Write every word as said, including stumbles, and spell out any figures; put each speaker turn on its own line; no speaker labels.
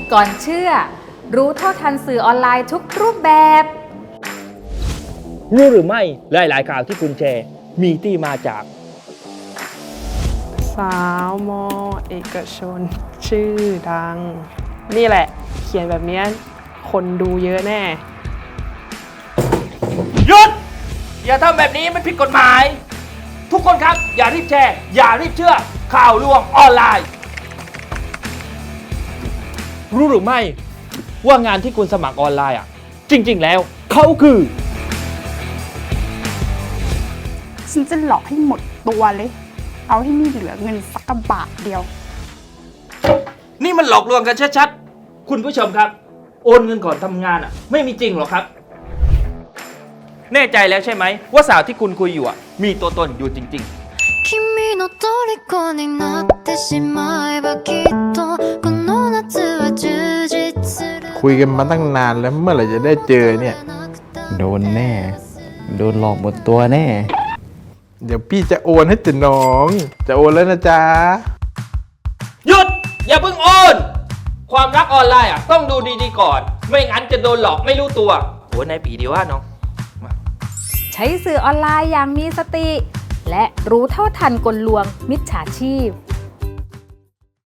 ก่อนเชื่อรู้เท่าทันสื่อออนไลน์ทุกรูปแบบ
รู้หรือไม่หลายๆข่าวที่คุณแชร์มีที่มาจาก
สาวมอเอกชน ชื่อดัง นี่แหละ เขียนแบบนี้คนดูเยอะแน่
หยุดอย่าทำแบบนี้มันผิดกฎหมาย ทุกคนครับอย่ารีบแชร์อย่ารีบเชื่อข่าวลวงออนไลน์ รู้หรือไม่ว่างานที่คุณสมัครออนไลน์อ่ะจริงๆแล้วเขาคือ
ฉันจะหลอกให้หมดตัวเลย เอาให้ไม่เหลือเงินสักกระบาทเดียว
นี่มันหลอกลวงกันชัดๆคุณผู้ชมครับโอนเงินก่อนทำงานอ่ะไม่มีจริงหรอกครับแน่ใจแล้วใช่ไหมว่าสาวที่คุณคุยอยู่อ่ะมีตัวตนอยู่จริงๆ
君の虜になってしまえばきっとこの夏は充実する
คุยกันมาตั้งนานแล้วเมื่อไหร่จะได้เจอเนี่ย
โดนแน่ โดนหลอกหมดตัวแน่
เดี๋ยวพี่จะโอนให้ติน้อง จะโอนแล้วนะจ๊ะ
หยุดอย่าเพิ่งโอน ความรักออนไลน์อ่ะต้องดูดีๆก่อน ไม่งั้นจะโดนหลอกไม่รู้ตัวโอ้นายปีดีว่าน้อง
ใช้สื่อออนไลน์อย่างมีสติ และรู้เท่าทันกลลวงมิจฉาชีพ